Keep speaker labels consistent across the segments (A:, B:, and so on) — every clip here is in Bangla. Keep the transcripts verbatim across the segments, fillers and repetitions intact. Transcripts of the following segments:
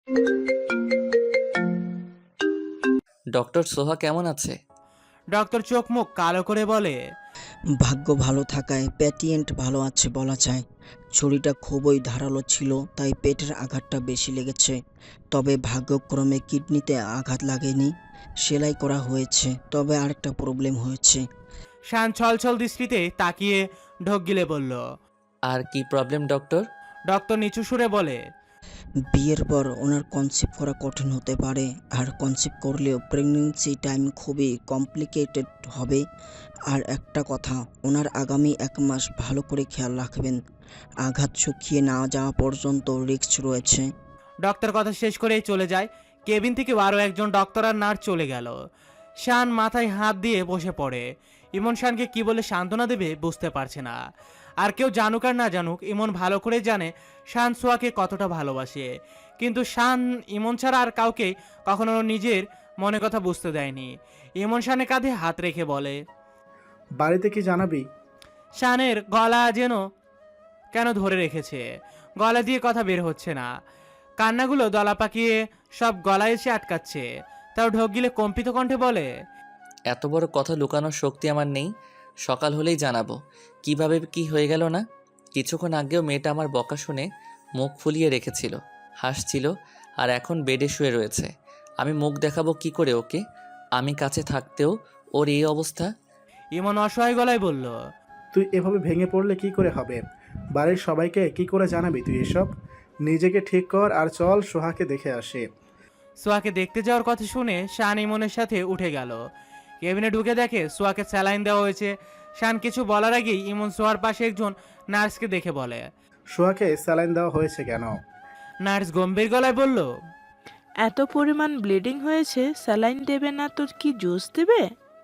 A: ডক্টর সোহা কেমন আছে?
B: ডক্টর চোখ মুখ কালো করে বলে,
C: ভাগ্য ভালো থাকায় পেশেন্ট ভালো আছে বলা যায়। ছুরিটা খুবই ধারালো ছিল, তাই পেটের আঘাতটা বেশি লেগেছে। তবে ভাগ্যক্রমে কিডনিতে আঘাত লাগেনি, সেলাই করা হয়েছে। তবে আরেকটা প্রবলেম হয়েছে।
B: শান ছলছল দৃষ্টিতে তাকিয়ে ঢোক গিলে বলল।
A: আর কি প্রবলেম ডক্টর?
B: ডক্টর নিচু সুরে বলে,
C: বিয়ের পর ওনার কনসিভ করা কঠিন হতে পারে, আর কনসিভ করলেও প্রেগনেন্সি টাইম খুবই কমপ্লিকেটেড হবে। আর একটা কথা, ওনার আগামী এক মাস ভালো করে খেয়াল রাখবেন। আঘাত শুকিয়ে না যাওয়া পর্যন্ত রিস্ক রয়েছে।
B: ডক্টর কথা শেষ করেই চলে যায়। কেবিন থেকে আরও একজন ডক্টর আর নার্স চলে গেল। শান মাথায় হাত দিয়ে বসে পড়ে। ইমন শানকে কি বলে সান্ত্বনা দেবে বুঝতে পারছে না। আর কেউ জানুক আর না জানুক, ইমন ভালো করে জানে শান সোয়াকে কতটা ভালোবাসে। কিন্তু শান ইমন ছাড়া আর কাউকে কখনো নিজের মনে কথা বুঝতে দেয়নি। ইমন শানের কাঁধে হাত রেখে বলে,
D: বাড়িতে কি জানাবি?
B: শানের গলা যেন কেন ধরে রেখেছে, গলা দিয়ে কথা বের হচ্ছে না। কান্নাগুলো দলা পাকিয়ে সব গলায় এসে আটকাচ্ছে। তাও ঢোক গিলে কম্পিত কণ্ঠে বলে,
A: এত বড় কথা লুকানোর শক্তি আমার নেই। সকাল হলেই জানাবো কিভাবে কি হয়ে গেল না। কিছুক্ষণ আগেও মেয়েটা আমার বকা শুনে মুখ ফুলিয়ে রেখেছিল, হাসছিল, আর এখন বেডে শুয়ে রয়েছে। আমি মুখ দেখাবো কি করে ওকে? আমি কাছে থাকতেও ওর এই অবস্থা।
B: ইমন অসহায় গলায় বলল,
D: তুই এভাবে ভেঙে পড়লে কি করে হবে? বাড়ির সবাইকে কি করে জানাবি তুই এসব? নিজেকে ঠিক কর আর চল সোহাকে দেখে আসে।
B: সোয়াকে দেখতে যাওয়ার কথা শুনে শান ইমনের সাথে উঠে গেল। কেবিনে ঢুকে দেখে সোয়াকে স্যালাইন দেওয়া হয়েছে। শান কিছু বলার আগেই ইমন সোয়ার পাশে একজন নার্সকে দেখে বলে,
D: সোহাকে স্যালাইন দেওয়া হয়েছে কেন?
B: নার্স গম্ভীর গলায় বলল,
E: এত পরিমাণ ব্লিডিং হয়েছে, স্যালাইন দেবে না তো কি জুস দেবে?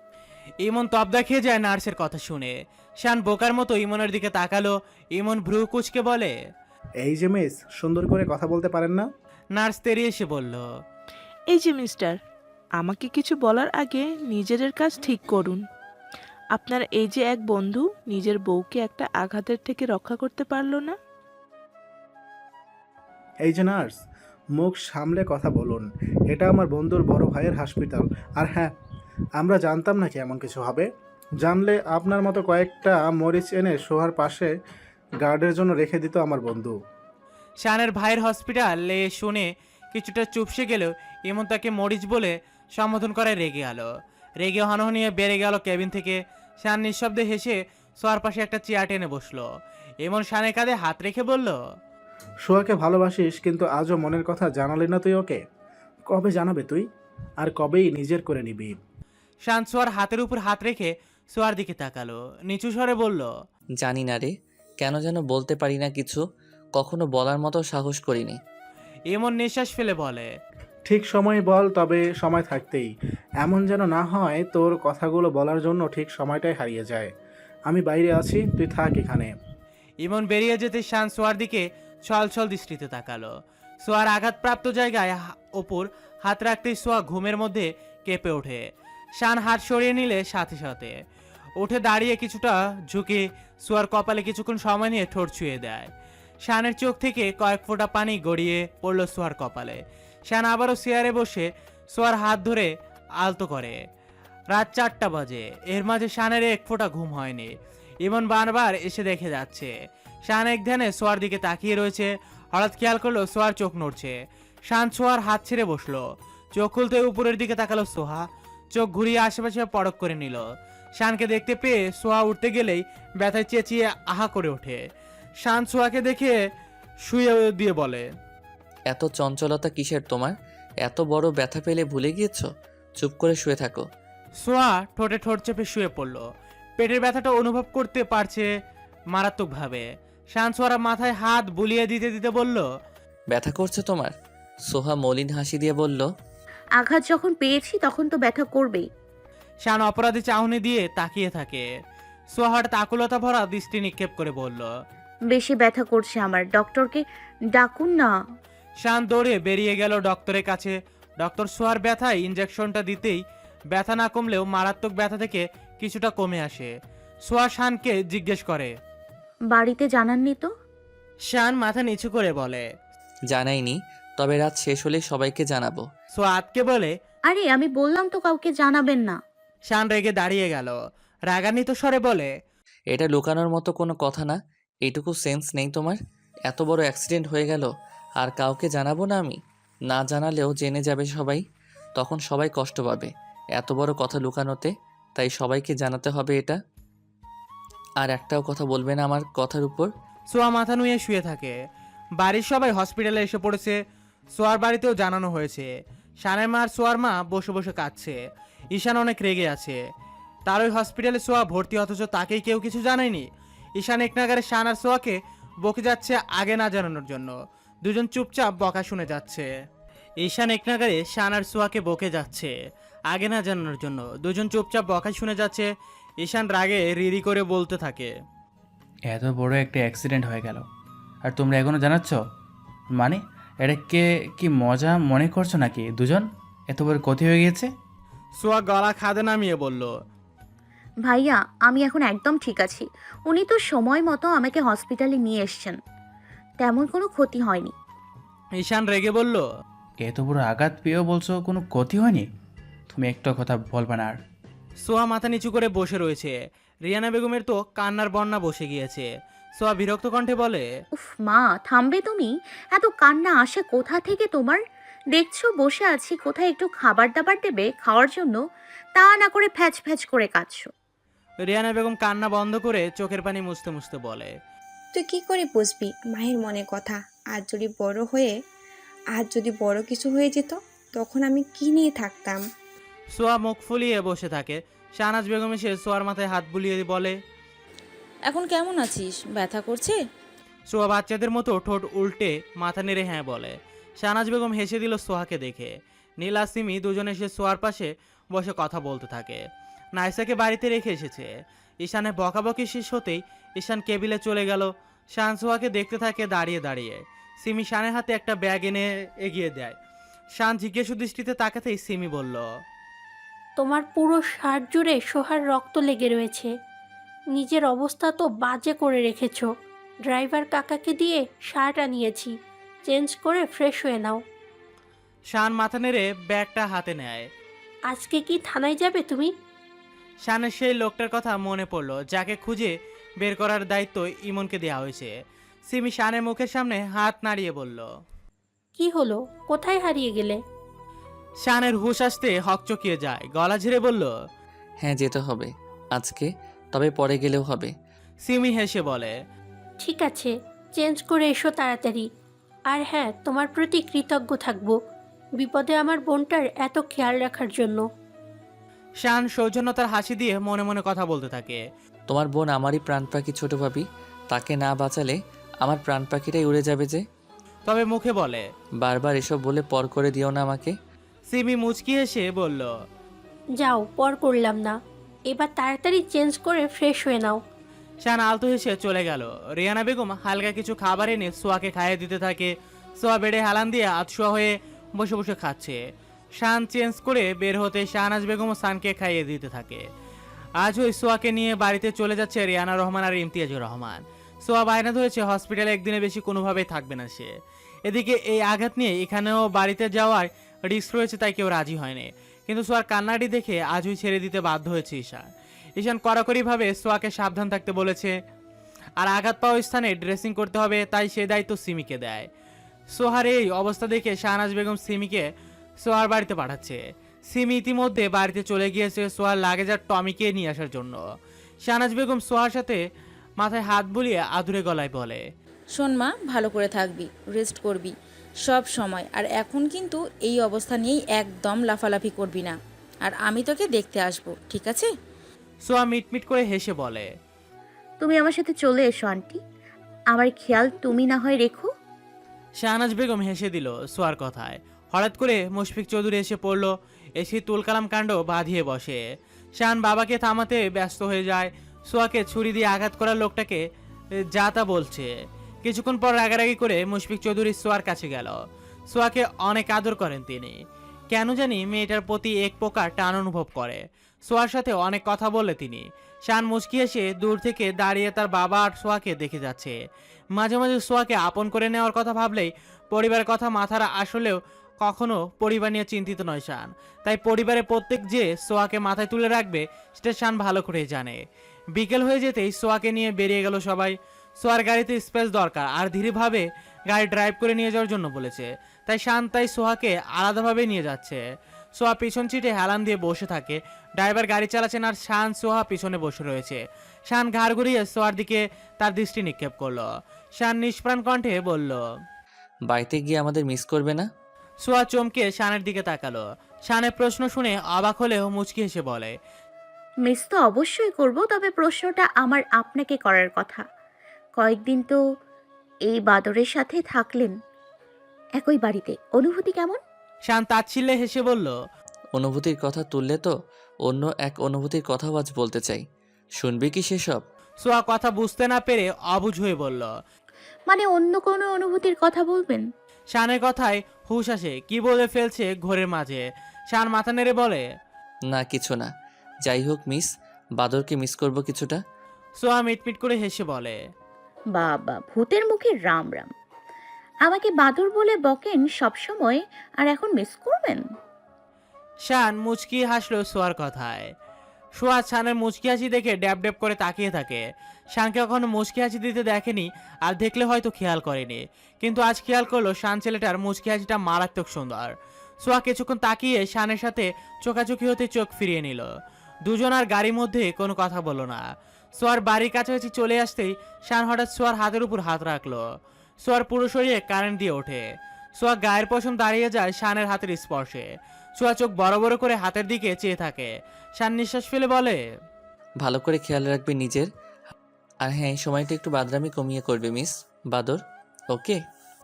B: ইমন তবদা খেয়ে যায় নার্সের কথা শুনে। শান বোকার মতো ইমনের দিকে তাকালো। ইমন ভ্রু কুচকে বলে,
D: এই যে মিস, সুন্দর করে কথা বলতে পারেন না?
B: নার্স তেরিয়ে এসে বলল,
E: এই যে মিস্টার, আমাকে কিছু বলার আগে নিজেদের কাজ ঠিক করুন। আপনার এই যে এক বন্ধু নিজের বউকে একটা আঘাতের থেকে রক্ষা করতে পারলো না।
D: এই যে নার্স, মুখ সামলে কথা বলুন। এটা আমার বন্ধুর বড় ভাইয়ের হসপিটাল। আর হ্যাঁ, আমরা জানতাম না কি এমন কিছু হবে। জানলে আপনার মতো কয়েকটা মরিচ এনে সোহার পাশে গার্ডের জন্য রেখে দিত আমার বন্ধু।
B: শানের ভাইয়ের হসপিটালে শুনে কিছুটা চুপসে গেলেও ইমন তাকে মরিচ বলে সম্বোধন করায় রেগে গেল। রেগে হনহনিয়ে বেড়ে গেল কেবিন থেকে। শান নিঃশব্দে হেসে সোয়ার পাশে একটা চেয়ার টেনে বসলো। ইমন শানের কাঁধে হাত রেখে বলল,
D: সোহাকে ভালোবাসিস, কিন্তু আজও মনের কথা জানালি না তুই ওকে। কবে জানাবে তুই? আর কবেই নিজের করে নিবি?
B: শান সোয়ার হাতের উপর হাত রেখে সোয়ার দিকে তাকালো, নিচু স্বরে বলল,
A: জানি না রে, কেন যেন বলতে পারি না কিছু। কখনো বলার মতো সাহস করিনি।
B: ইমন নিঃশ্বাস ফেলে বলে,
D: ঠিক সময় বল, তবে সময় থাকতেই। এমন যেন না হয় তোর কথাগুলো বলার জন্য ঠিক সময়টাই হারিয়ে যায়। আমি বাইরে আছি, তুই থাক এখানে।
B: ইমন বেরিয়ে যেতে শান সোয়ার দিকে ছল ছল দৃষ্টিতে তাকালো। সোয়ার আঘাতপ্রাপ্ত জায়গায় হা- ওপর হাত রাখতেই সোয়া ঘুমের মধ্যে কেঁপে ওঠে। শান হাত সরিয়ে নিলে সাথে সাথে উঠে দাঁড়িয়ে কিছুটা ঝুঁকে সোয়ার কপালে কিছুক্ষণ সময় নিয়ে ঠোঁট ছুঁয়ে দেয়। শানের চোখ থেকে কয়েক ফোঁটা পানি গড়িয়ে পড়ল সোয়ার কপালে। শান আবারও চেয়ারে বসে সোয়ার হাত ধরে আলতো করে। রাত চারটা বাজে। এর মাঝে শানের এক ফোঁটা ঘুম হয়নি। ইমন বারবার এসে দেখে যাচ্ছে। শান এক ধ্যানে সোয়ার দিকে তাকিয়ে রয়েছে। হঠাৎ খেয়াল করলো সোয়ার চোখ নড়ছে। শান সোয়ার হাত ছেড়ে বসলো। চোখ খুলতে উপরের দিকে তাকালো সোহা। চোখ ঘুরিয়ে আশেপাশে পরখ করে নিল। শানকে দেখতে পেয়ে সোহা উঠতে গেলেই ব্যথায় চেঁচিয়ে আহা করে ওঠে। শান সোহাকে দেখে শুয়ে দিয়ে বলে,
A: এত চঞ্চলতা কিসের তোমার? এত বড় ব্যথা পেলে ভুলে গিয়েছো? চুপ করে শুয়ে থাকো।
B: সোহা ঠোঁটে ঠোঁট চেপে শুয়ে পড়ল। পেটের ব্যথাটা অনুভব করতে পারছে মারাত্মকভাবে। শান সোহার মাথায় হাত বুলিয়ে দিতে দিতে বলল,
A: ব্যথা করছে তোমার? সোহা মলিন হাসি দিয়ে বলল,
F: আঘাত যখন পেয়েছি তখন তো ব্যথা করবেই।
B: শান অপরাধী চাহনি দিয়ে তাকিয়ে থাকে। সোহা হঠাৎ আকুলতা ভরা দৃষ্টি নিক্ষেপ করে বলল,
F: বেশি ব্যথা করছে আমার, ডক্টরকে ডাকুন না।
B: শান দৌড়ে বেরিয়ে গেল ডক্টরের কাছে। ডক্টর সোহার ব্যথায় ইঞ্জেকশনটা দিতেই ব্যথা না কমলেও মারাত্মক ব্যথা থেকে কিছুটা কমে আসে। সোহা শানকে জিজ্ঞেস করে,
F: বাড়িতে জানাননি তো?
B: শান মাথা নিচু করে বলে,
A: জানাইনি, তবে রাত শেষ হলেই সবাইকে জানাবো।
B: সোয়া আতকে বলে।
F: আরে আমি বললাম তো কাউকে জানাবেন না।
B: শান রেগে দাঁড়িয়ে গেল, রাগান্বিত স্বরে বলে।
A: এটা লুকানোর মতো কোনো কথা না। এইটুকু সেন্স নেই তোমার? এত বড় অ্যাক্সিডেন্ট হয়ে গেল আর কাউকে জানাবো না আমি? না জানালেও জেনে যাবে সবাই, তখন সবাই কষ্ট পাবে এত বড় কথা লুকানোতে। তাই সবাইকে জানাতে হবে এটা। আর একটাও কথা বলবে না আমার কথার উপর।
B: সোয়া মাথা নুয়ে শুয়ে থাকে। বাড়ির সবাই হসপিটালে এসে পড়েছে। সোয়ার বাড়িতেও জানানো হয়েছে। শানের মা আর সোয়ার মা বসে বসে কাঁদছে। ঈশান অনেক রেগে আছে। তার ওই হসপিটালে সোয়া ভর্তি, অথচ তাকেই কেউ কিছু জানায়নি। ঈশান এক নাগারে শান আর সোয়াকে বকে যাচ্ছে আগে না জানানোর জন্য। দুজন চুপচাপ বকা শুনে যাচ্ছে। ঈশান এক নাগারে শান আর সোয়াকে বকে যাচ্ছে আগে না জানানোর জন্য। দুজন চুপচাপ বকা শুনে যাচ্ছে। ঈশান রাগে রিরি করে বলতে থাকে।
G: এত বড় একটা অ্যাক্সিডেন্ট হয়ে গেল আর তোমরা এখনো জানাচ্ছ? মানে এটা কে কি মজা মনে করছো নাকি? দুজন এত বড় ক্ষতি হয়ে গিয়েছে।
B: সোয়া গলা খাদে নামিয়ে বলল।
F: ভাইয়া আমি এখন একদম ঠিক আছি। উনি তো সময় মতো আমাকে হসপিটালে নিয়ে এসছেন, তেমন কোনো ক্ষতি হয়নি।
B: ঈশান রেগে বলল।
G: এত বড় আঘাত পেয়েও বলছো কোনো ক্ষতি হয়নি? তুমি একটা কথা বলবে না আর?
B: সোয়া মাথা নিচু করে বসে রয়েছে। রিয়ানা বেগমের তো কান্নার বন্যা বসে গিয়েছে। সোয়া বিরক্ত কণ্ঠে বলে।
F: উফ মা থামবে তুমি? এত কান্না আসে কোথা থেকে তোমার? দেখছো বসে আছি, কোথায় একটু খাবার দাবার দেবে খাওয়ার জন্য, তা না করে ফ্যাচ ফ্যাচ করে কাঁদছো।
B: রিয়ানা বেগম কান্না বন্ধ করে চোখের পানি মুছতে মুছতে বলে।
H: তুই কি করে বুঝবি মায়ের মনে কথা? আর যদি বড় হয়ে আর যদি বড় কিছু হয়ে যেত, তখন আমি কি নিয়ে থাকতাম?
B: সোয়া মুখ ফুলিয়ে বসে থাকে। শাহনাজ বেগম এসে সোয়ার মাথায় হাত বুলিয়ে বলে।
I: এখন কেমন আছিস? ব্যথা করছে?
B: সোয়া বাচ্চাদের মতো ঠোঁট উল্টে মাথা নেড়ে হ্যাঁ বলে। শাহনাজ বেগম হেসে দিল সোহাকে দেখে। নীলা সিমি দুজনে এসে সোয়ার পাশে বসে কথা বলতে থাকে। নাইসাকে বাড়িতে রেখে এসেছে। ঈশানের বকাবকি শেষ হতেই ঈশান কেবিলে চলে গেল। শান সোহাকে দেখতে থাকে দাঁড়িয়ে দাঁড়িয়ে। সিমি শানের হাতে একটা ব্যাগ এনে এগিয়ে দেয়। শান জিজ্ঞেস দৃষ্টিতে তাকাতেই সিমি বলল।
J: তোমার পুরো শার্ট জুড়ে সোহার রক্ত লেগে রয়েছে। নিজের অবস্থা তো বাজে করে রেখেছো। ড্রাইভার কাকাকে দিয়ে শার্ট আনিয়েছি, চেঞ্জ করে ফ্রেশ হয়ে নাও।
B: শান মাথা নেড়ে ব্যাগটা হাতে নেয়।
J: আজকে কি থানায় যাবে তুমি?
B: শানের সেই লোকটার কথা মনে পড়লো যাকে খুঁজে বের করার দায়িত্ব ইমনকে দেওয়া হয়েছে। সিমি শানের মুখের সামনে হাত নাড়িয়ে বলল।
J: কি হলো, কোথায় হারিয়ে গেলে?
B: শানের হুঁশ আসতে হকচকিয়ে যায়, গলা ঝেড়ে বলল।
A: হ্যাঁ যেতে হবে আজকে, তবে পরে গেলেও হবে।
B: সিমি হেসে বলে।
J: ঠিক আছে, চেঞ্জ করে এসো তাড়াতাড়ি। আর হ্যাঁ, তোমার প্রতি কৃতজ্ঞ থাকবো বিপদে আমার বোনটার এত খেয়াল রাখার জন্য।
B: শান সৌজন্যতার হাসি দিয়ে মনে মনে কথা বলতে থাকে।
A: তোমার বোন আমারই প্রাণ পাখি ছোট ভাবি, তাকে না বাঁচালে আমার প্রাণ পাখিটাই উড়ে যাবে যে।
B: তবে মুখে বলে।
A: বারবার এসব বলে পর করে দিও না আমাকে।
B: সিমি মুচকি হেসে বলল।
J: যাও, পর করলাম না, এবার তাড়াতাড়ি চেঞ্জ করে ফ্রেশ হয়ে নাও।
B: শান আলতো হেসে চলে গেল। রিয়ানা বেগম হালকা কিছু খাবার এনে সোয়াকে খাইয়ে দিতে থাকে। সোয়া বেডে হালান দিয়ে আতশোয়া হয়ে বসে বসে খাচ্ছে। শান চেঞ্জ করে বের হতে শাহনাজ বেগম সানকে খাইয়ে দিতে থাকে। আজ ওই সোয়াকে নিয়ে বাড়িতে চলে যাচ্ছে রিয়ানা রহমান আর ইমতিয়াজুর রহমান। সোয়া বায়না ধরেছে হসপিটালে একদিনে বেশি কোনোভাবেই থাকবে না সে। এদিকে এই আঘাত নিয়ে এখানেও বাড়িতে যাওয়ার রিস্ক রয়েছে, তাই কেউ রাজি হয়নি। কিন্তু সোয়ার কান্নাটি দেখে আজই ছেড়ে দিতে বাধ্য হয়েছে ঈশান। ঈশান কড়াকড়িভাবে সোয়াকে সাবধান থাকতে বলেছে। আর আঘাত পাওয়া স্থানে ড্রেসিং করতে হবে, তাই সে দায়িত্ব সিমিকে দেয়। সোহার এই অবস্থা দেখে শাহনাজ বেগম সিমিকে সোহার বাড়িতে পাঠাচ্ছে। সিমি ইতিমধ্যে বাড়িতে চলে গিয়েছে সোহার লাগেজ আর টমিকে নিয়ে আসার জন্য। শাহনাজ বেগম সোহার সাথে মাথায় হাত বুলিয়ে আদুরে গলায় বলে।
I: শোন মা, ভালো করে থাকবি, রেস্ট করবি সব সময়। আর এখন কিন্তু এই অবস্থা নিয়েই একদম লাফালাফি করবি না। আর আমি তোকে দেখতে আসবো, ঠিক আছে?
B: সোয়া মিটমিট করে হেসে বলে।
F: তুমি আমার সাথে চলে এসো আন্টি, আমার খেয়াল তুমি না হয় রেখো।
B: শাহনাজ বেগম হেসে দিল সোয়ার কথায়। হঠাৎ করে মুশফিক চৌধুরী এসে পড়ল। এসে তুলকালাম কাণ্ড বাঁধিয়ে বসে। শান বাবাকে থামাতে ব্যস্ত হয়ে যায়। সোয়াকে ছুরি দিয়ে আঘাত করার লোকটাকে যা তা বলছে। কিছুক্ষণ পর রাগারাগি করে মুশফিক চৌধুরী সোয়ার কাছে গেল। সোয়াকে অনেক আদর করেন তিনি। কেন জানি মেয়েটার প্রতি এক প্রকার টান অনুভব করে। সোয়ার সাথে অনেক কথা বলে তিনি। শান মুচকি এসে দূর থেকে দাঁড়িয়ে তার বাবা আর সোয়াকে দেখে যাচ্ছে। মাঝে মাঝে সোয়াকে আপন করে নেওয়ার কথা ভাবলেই পরিবারের কথা মাথার আসলেও কখনো পরিবার নিয়ে চিন্তিত নয় শান। তাই পরিবারের প্রত্যেক যে সোয়াকে মাথায় তুলে রাখবে সেটা শান ভালো করে জানে। বিকেল হয়ে যেতেই সোয়াকে নিয়ে বেরিয়ে গেল সবাই। সোয়ার গাড়িতে স্পেস দরকার আর ধীরেভাবে গাড়ি ড্রাইভ করে নিয়ে যাওয়ার জন্য বলেছে, তাই শান তাই সোহাকে আলাদাভাবে নিয়ে যাচ্ছে। সোহা পিছন সিটে হেলান দিয়ে বসে থাকে, ড্রাইভার গাড়ি চালাচ্ছেন আর শান সোহা পিছনে বসে রয়েছে। শান ঘাড় ঘুরিয়ে সোহার দিকে তার দৃষ্টি নিক্ষেপ করলো। শান নিষ্প্রাণ কণ্ঠে বলল,
A: বাড়িতে গিয়ে আমাদের মিস করবে না?
B: সোহা চমকে শানের দিকে তাকালো। শানের প্রশ্ন শুনে অবাক হলেও মুচকি হেসে বলে,
F: মিস তো অবশ্যই করব, তবে প্রশ্নটা আমার আপনাকে করার কথা। কয়েকদিন তো এই বাদরের সাথে থাকলেন একই বাড়িতে, অনুভূতি কেমন?
B: শান তাচ্ছিল্যে হেসে বলল,
A: অনুভূতির কথা তুললে তো অন্য এক অনুভূতির কথাও আজ বলতে চাই, শুনবি কি সেসব?
B: সোহা কথা বুঝতে না পেরে অবুঝ হয়ে বলল।
F: মানে অন্য কোনো অনুভূতির কথা বলবেন?
B: শানের কথায় হুশ আসে, কি বলে ফেলছে ঘোরের মাঝে। শান মাথা নেড়ে বলে,
A: না কিছু না, যাই হোক মিস, বাদরকে মিস করব কিছুটা।
B: সোহা মিটমিট করে হেসে বলে,
F: বাবা, ভূতের মুখে রাম রাম। আমাকে বাদর বলে বকেন সবসময়, আর এখন মিস করবেন?
B: শান মুচকি হাসলো সোয়ার কথায়। সোয়া শানের মুচকি হাসি দেখে ড্যাব ড্যাব করে তাকিয়ে থাকে। শানকে কখনো মুচকি হাসি দিতে দেখেনি, আর দেখলে হয়তো খেয়াল করেনি, কিন্তু আজ খেয়াল করলো শান ছেলেটার মুচকি হাসিটা মারাত্মক সুন্দর। সোয়া কিছুক্ষণ তাকিয়ে শানের সাথে চোখাচোখি হতে চোখ ফিরিয়ে নিল। দুজন আর গাড়ির মধ্যে কোনো কথা বলল না। সোয়ার বাড়ির কাছাকাছি চলে আসতেই শান হঠাৎ সোয়ার হাতের উপর হাত রাখলো। সোয়ার পুরো শরীরে কারেন্ট দিয়ে ওঠে। সোয়া গায়ের পশম দাঁড়িয়ে যায় শানের হাতের স্পর্শে। সোয়া চোখ বড় বড় করে হাতের দিকে চেয়ে থাকে। শান নিঃশ্বাস ফেলে বলে,
A: ভালো করে খেয়াল রাখবে নিজের, আর হ্যাঁ এই সময়টা একটু বাদরামি কমিয়ে করবে মিস বাদর, ওকে?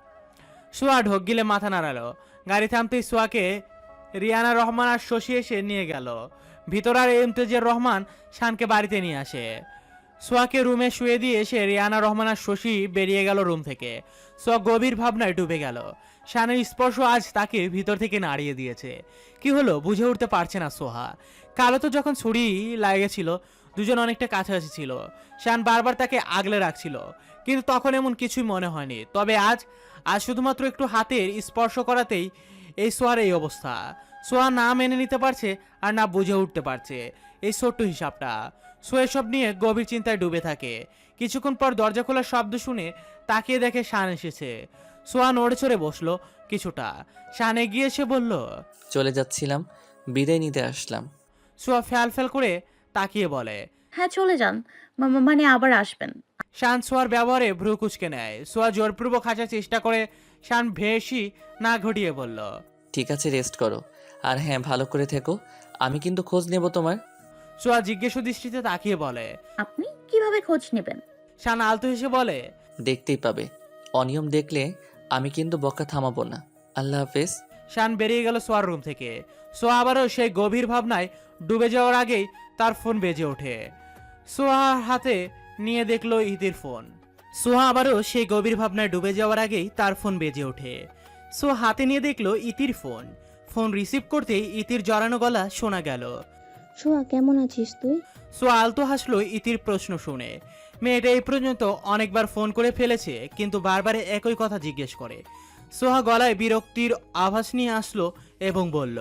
B: সোয়া ঢোক গিলে মাথা নাড়ালো। গাড়ি থামতেই সোয়াকে রিয়ানা রহমান আর শশী এসে নিয়ে গেল। ভিতর আর ইমতেজিয়ার রহমান শানকে বাড়িতে নিয়ে আসে। সোয়াকে রুমে শুয়ে দিয়ে এসে রিয়ানা রহমান আর শশী বেরিয়ে গেল রুম থেকে। সোয়া গভীর ভাবনায় ডুবে গেল। শানের স্পর্শ আজ তাকে ভিতর থেকে নাড়িয়ে দিয়েছে। কি হলো বুঝে উঠতে পারছে না সোহা। কালো তো যখন ছুরি লাগেছিল দুজন অনেকটা কাছাকাছি ছিল, শান বারবার তাকে আগলে রাখছিল, কিন্তু তখন এমন কিছুই মনে হয়নি। তবে আজ আজ শুধুমাত্র একটু হাতের স্পর্শ করাতেই এই সোয়ার এই অবস্থা। সোয়া না মেনে নিতে পারছে আর না বুঝে উঠতে পারছে এই ছোট্ট হিসাবটা। সোয়া সব নিয়ে গভীর চিন্তায় ডুবে থাকে। কিছুক্ষণ পর দরজা খোলার শব্দ শুনে তাকিয়ে দেখে শান এসেছে। সোয়া নড়ে চড়ে বসলো কিছুটা। শান এগিয়ে এসে বলল,
A: চলে যাচ্ছিলাম, বিদায় নিতে আসলাম।
B: সোয়া ফ্যাল ফ্যাল করে তাকিয়ে বলে,
F: হ্যাঁ চলে যান, মা- মা- মানে আবার আসবেন।
B: শান সোয়ার ব্যবহারে ভ্রু কুচকে নেয়। সোয়া জোরপূর্বক হাসার চেষ্টা করে শান ভেসি না ঘটিয়ে বলল,
A: ঠিক আছে রেস্ট করো, আর হ্যাঁ ভালো করে থেকো, আমি কিন্তু খোঁজ নেব তোমার।
B: সোয়া জিজ্ঞেস দৃষ্টিতে তাকিয়ে বলে,
F: আপনি কিভাবে খোঁজ নেবেন?
B: শান আলতো হেসে বলে,
A: দেখতেই পাবে, অনিয়ম দেখলে আমি কিন্তু বকা থামাবো না। আল্লাহ হাফেজ।
B: শান বেরিয়ে গেল সোয়ার রুম থেকে। সোয়া আবারও সেই গভীর ভাবনায় ডুবে যাওয়ার আগেই তার ফোন বেজে ওঠে। সোহার হাতে নিয়ে দেখলো ইতির ফোন। সোহা আবারও সেই গভীর ভাবনায় ডুবে যাওয়ার আগেই তার ফোন বেজে ওঠে। সোহা হাতে নিয়ে দেখলো ইতির ফোন। ফোন রিসিভ করতেই ইতির জড়ানো গলা শোনা গেল।
K: সোহা কেমন আছিস তুই?
B: সোহা আলতো হাসলো ইতির প্রশ্ন শুনে। মেয়েটা এই পর্যন্ত অনেকবার ফোন করে ফেলেছে, কিন্তু বারবার একই কথা জিজ্ঞেস করে। সোহা গলায় বিরক্তির আভাস নিয়ে আসলো এবং বলল,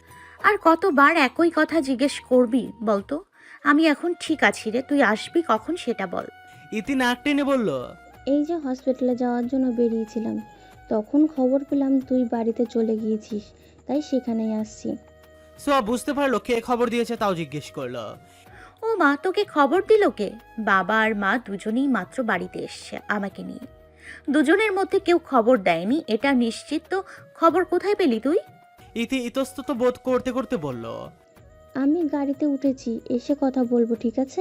F: আর কতবার একই কথা জিজ্ঞেস করবি বলতো? আমি এখন ঠিক আছি রে, তুই আসবি কখন সেটা বল।
B: ইতি নাক টেনে বলল,
K: এই যে হসপিটালে যাওয়ার জন্য বেরিয়েছিলাম, তখন খবর পেলাম তুই বাড়িতে চলে গিয়েছিস, তাই সেখানেই আসছি।
B: সোহা বুঝতে পারলো কে খবর দিয়েছে তাও জিজ্ঞেস করলো।
F: ও মা, তোকে খবর দিল কে? বাবা আর মা দুজনেই মাত্র বাড়িতে এসছে আমাকে নিয়ে। দুজনের মধ্যে কেউ খবর দেয়নি এটা নিশ্চিত। তো খবর কোথায় পেলি তুই?
B: ইতি ইতস্তত বোধ করতে করতে বলল,
K: আমি গাড়িতে উঠেছি, এসে কথা বলবো, ঠিক আছে?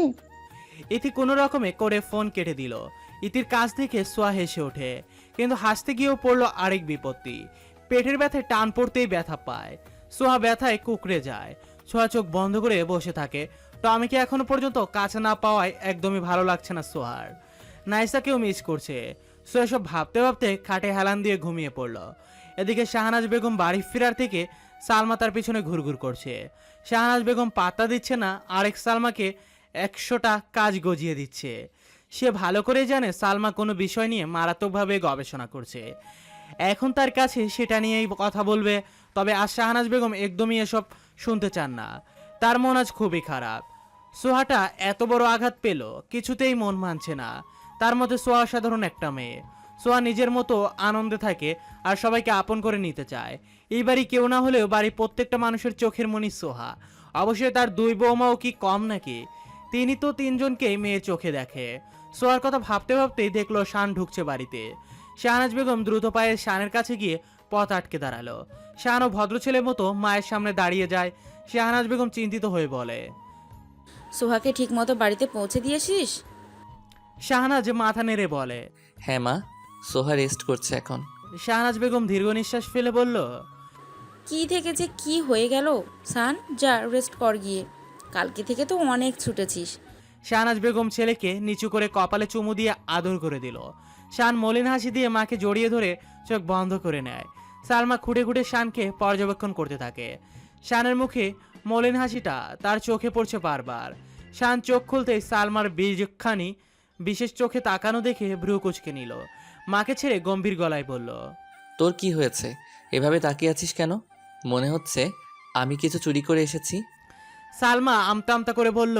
B: ইতি কোনো রকমে করে ফোন কেটে দিল। ইতির কাছ থেকে সোয়া হেসে ওঠে, কিন্তু হাসতে গিয়েও পড়লো আরেক বিপত্তি। পেটের ব্যথায় টান পড়তেই ব্যথা পায়। সোহা ব্যথায় কুকড়ে যায়। সোহা চোখ বন্ধ করে বসে থাকে। টমিকে এখনো পর্যন্ত কাছে না পাওয়ায় একদমই ভালো লাগছে না সোহার। নাইসাকেও মিস করছে। সোহা সব ভাবতে ভাবতে খাটে হেলান দিয়ে ঘুমিয়ে পড়ল। এদিকে শাহনাজ বেগম বাড়ি ফেরার থেকে সালমা তার পিছনে ঘুরঘুর করছে। শাহনাজ বেগম পাত্তা দিচ্ছে না, আরেক সালমাকে একশোটা কাজ গজিয়ে দিচ্ছে। সে ভালো করে জানে সালমা কোনো বিষয় নিয়ে মারাত্মকভাবে গবেষণা করছে। এখন তার কাছে সেটা নিয়েই কথা বলবে, তবে আজ শাহনাজ বেগম একদমই এসব শুনতে চান না। তার মন আজ খুবই খারাপ। সোহাটা এত বড় আঘাত পেল, কিছুতেই মন মানছে না। তার মধ্যে সোহা সাধারণ একটা মেয়ে। সোহা নিজের মতো আনন্দে থাকে আর সবাইকে আপন করে নিতে চায়। এই বাড়ি কেউ না হলেও বাড়ির প্রত্যেকটা মানুষের চোখের মনি সোহা। অবশ্যই তার দুই বৌমাও কি কম নাকি? তিনি তো তিনজনকেই মেয়ে চোখে দেখে। সোহার কথা ভাবতে ভাবতেই দেখলো শান ঢুকছে বাড়িতে। শাহনাজ বেগম দ্রুত পায়ে শানের কাছে গিয়ে পথ আটকে দাঁড়ালো। শানও ভদ্র ছেলের মতো মায়ের সামনে দাঁড়িয়ে যায়। শাহনাজ বেগম চিন্তিত হয়ে বলে,
I: সোহাকে ঠিক মতো বাড়িতে পৌঁছে দিয়েছিস?
B: শাহনাজ মাথা নেড়ে বলে।
A: হ্যাঁ মা, সোহা রেস্ট করছে এখন।
B: শাহনাজ বেগম দীর্ঘ নিঃশ্বাস ফেলে বলল,
I: কি থেকে যে কি হয়ে গেল সান, যা রেস্ট কর গিয়ে, কালকে থেকে তো অনেক ছুটেছিস।
B: শাহনাজ বেগম ছেলেকে নিচু করে কপালে চুমু দিয়ে আদর করে দিল। শান মলিন হাসি দিয়ে মাকে জড়িয়ে ধরে চোখ বন্ধ করে নেয়। সালমা খুঁটে খুঁটে শানকে পর্যবেক্ষণ করতে থাকে। শানের মুখে মলিন হাসিটা তার চোখে পড়ছে বারবার। শান চোখ খুলতেই সালমার বীজখানি বিশেষ চোখে তাকানো দেখে ভ্রু কুচকে নিল। মাকে ছেড়ে গম্ভীর গলায় বলল,
A: তোর কি হয়েছে? এভাবে তাকিয়ে আছিস কেন? মনে হচ্ছে আমি কিছু চুরি করে এসেছি।
B: সালমা আমতা আমতা করে বলল,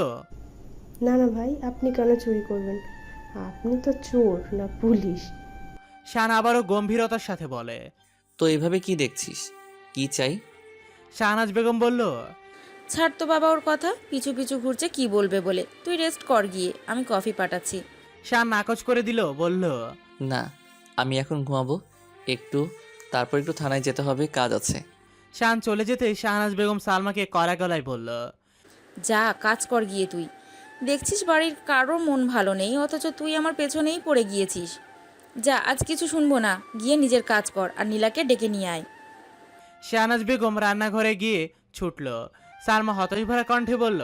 L: না না ভাই, আপনি কেন চুরি করবেন? আপনি তো চোর না পুলিশ।
B: শান আবারও গম্ভীরতার সাথে বলে,
A: তো এভাবে কি দেখছিস? কি চাই?
B: শাহনাজ বেগম বলল,
I: ছাড় তো বাবা ওর কথা, পিছু পিছু ঘুরছে কি বলবে বলে। তুই রেস্ট কর গিয়ে, আমি কফি পাঠাচ্ছি।
B: শান নাকচ করে দিল, বলল,
A: না, আমি এখন ঘুমাবো একটু, তারপর একটু থানায় যেতে হবে, কাজ আছে।
B: শান চলে যেতে শাহনাজ বেগম সালমাকে কড়া গলায় বলল,
I: যা কাজ কর গিয়ে তুই। দেখছিস বাড়ির কারোর মন ভালো নেই, অথচ তুই আমার পেছনেই পড়ে গিয়েছিস। যা, আজ কিছু শুনবো না, গিয়ে নিজের কাজ কর আর নীলাকে ডেকে নিয়ে আয়।
B: শাহনাজ বেগম রান্নাঘরে গিয়ে ছুটল। সালমা হতাশ ভরা কণ্ঠে বলল,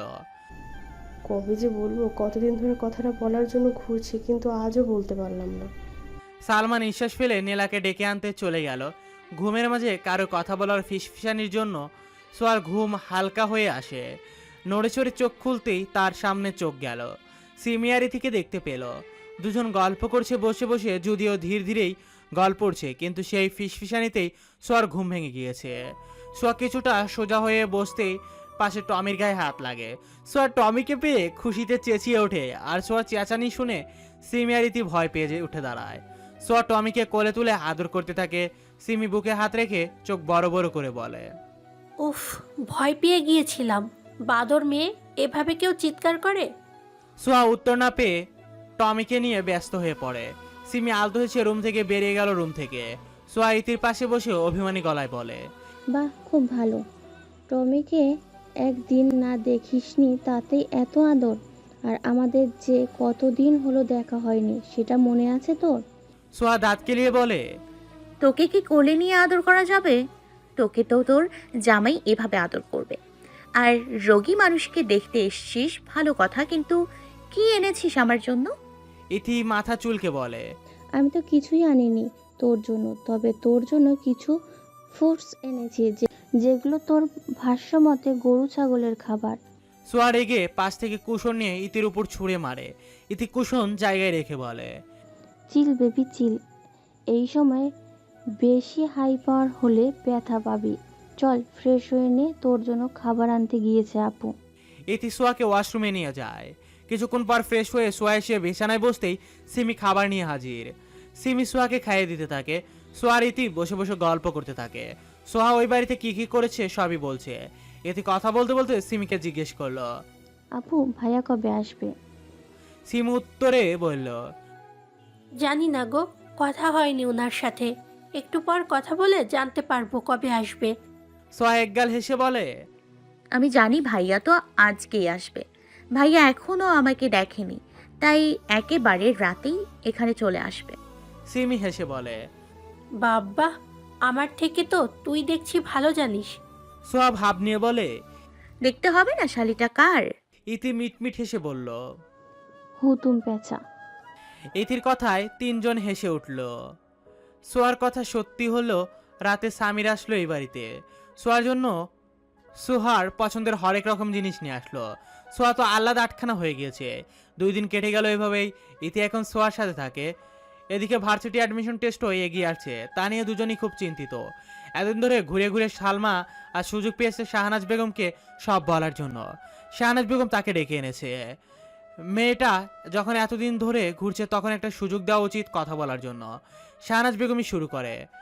L: কবে যে বলবো, কতদিন ধরে কথাটা বলার জন্য ঘুরছি, কিন্তু আজও বলতে পারলাম না।
B: সালমা নিঃশ্বাস ফেলে নীলাকে ডেকে আনতে চলে গেল। ঘুমের মাঝে কারো কথা বলার ফিসফিসানির জন্য সোয়ার ঘুম হালকা হয়ে আসে। নড়ে চড়ে চোখ খুলতেই তার সামনে চোখ গেল। সিমিয়ারি থেকে দেখতে পেল দুজন গল্প করছে বসে বসে, যদিও ধীর ধীরেই গল্প করছে, কিন্তু সেই ফিসফিসানিতেই সোয়ার ঘুম ভেঙে গিয়েছে। সোয়া কিছুটা সোজা হয়ে বসতেই পাশে টমির গায়ে হাত লাগে। সোয়া টমিকে পেয়ে খুশিতে চেঁচিয়ে ওঠে, আর সোয়া চেঁচানি শুনে সিমিয়ারিতি ভয় পেয়ে যে উঠে দাঁড়ায়। সোয়া টমিকে কোলে তুলে আদর করতে থাকে। সিমি বুকে হাত রেখে চোখ বড় বড় করে বলে,
J: উফ, ভয় পেয়ে গিয়েছিলাম। বাদর মেয়ে, এভাবে কেউ চিৎকার করে?
B: সোয়া উত্তর না পেয়ে টমিকে নিয়ে ব্যস্ত হয়ে পড়ে। সিমি আলতো হয়েছে রুম থেকে বেরিয়ে গেল রুম থেকে। সোয়া ইতির পাশে বসে অভিমানী গলায় বলে,
K: বাহ, খুব ভালো। টমিকে একদিন না দেখিসনি তাতেই এত আদর। আর আমাদের যে কতদিন হলো দেখা হয়নি, সেটা মনে আছে তোর?
B: সোয়া দাঁত কেলিয়ে বলে,
F: তোকে কি কোলে নিয়ে আদর করা যাবে? তোকে তো তোর জামাই এভাবে আদর করবে। আর রোগী মানুষকে দেখতে এসছিস ভালো কথা, কিন্তু কি এনেছিস আমার জন্য?
B: ইতি মাথা চুলকে বলে,
K: আমি তো কিছুই আনিনি তোর জন্য, তবে তোর জন্য কিছু ফ্রুটস এনেছি, যে- যেগুলো তোর ভাষ্য মতে গরু ছাগলের খাবার।
B: সোয়া রেগে পাশ থেকে কুশন নিয়ে ইতির উপর ছুঁড়ে মারে। ইতি কুশন জায়গায় রেখে বলে,
K: চিল বেবি চিল, এই সময় বেশি হাই পাওয়ার হলে ব্যথা পাবি। চল ফ্রেশ হয়ে নে, তোর জন্য খাবার আনতে গিয়েছে আপু।
B: ইতি সোয়াকে ওয়াশরুমে নিয়ে যায়। কিছুক্ষণ পর ফ্রেশ হয়ে সোয়া এসে বিছানায় বসতেই সিমি খাবার নিয়ে হাজির। সিমি সোয়াকে খাইয়ে দিতে থাকে। সোয়ার ইতি বসে বসে গল্প করতে থাকে। সোহা ওই বাড়িতে কি কি করেছে সবই বলছে। ইতি কথা বলতে বলতে সিমিকে জিজ্ঞেস করলো।
K: আপু, ভাইয়া কবে আসবে?
B: সিমি উত্তরে বলল,
J: জানি না গো, কথা হয়নি ওনার সাথে। একটু পর কথা বলে জানতে পারবো কবে আসবে।
B: সোয়া একগাল হেসে বলে,
F: আমি জানি ভাইয়া তো আজকেই আসবে। ভাইয়া এখনো আমাকে দেখেনি, তাই একেবারে রাতেই এখানে চলে আসবে।
B: সিমি হেসে বলে,
J: বাবা, আমার থেকে তো তুই দেখছি ভালো জানিস।
B: সোয়া ভাব নিয়ে বলে,
F: দেখতে হবে না শালিটা কার?
B: ইতি মিটমিট হেসে বলল।
K: হুতুম পেঁচা।
B: ইতির কথায় তিনজন হেসে উঠল। সোয়ার কথা সত্যি হলো, রাতে সামির আসলো এই বাড়িতে। সোয়ার জন্য সোহার পছন্দের হরেক রকম জিনিস নিয়ে আসলো। সোয়া তো আলাদা আটখানা হয়ে গিয়েছে। দুই দিন কেটে গেল এভাবেই। ইতি এখন সোয়ার সাথে থাকে। এদিকে ভার্সিটি অ্যাডমিশন টেস্টও এগিয়ে আসছে, তা নিয়ে দুজনই খুব চিন্তিত। এতদিন ধরে ঘুরে ঘুরে সালমা আর সুযোগ পেয়েছে শাহনাজ বেগমকে সব বলার জন্য। শাহনাজ বেগম তাকে ডেকে এনেছে। মেয়েটা যখন এতদিন ধরে ঘুরছে তখন একটা সুযোগ দেওয়া উচিত কথা বলার জন্য। শাহনাজ বেগমই শুরু করে।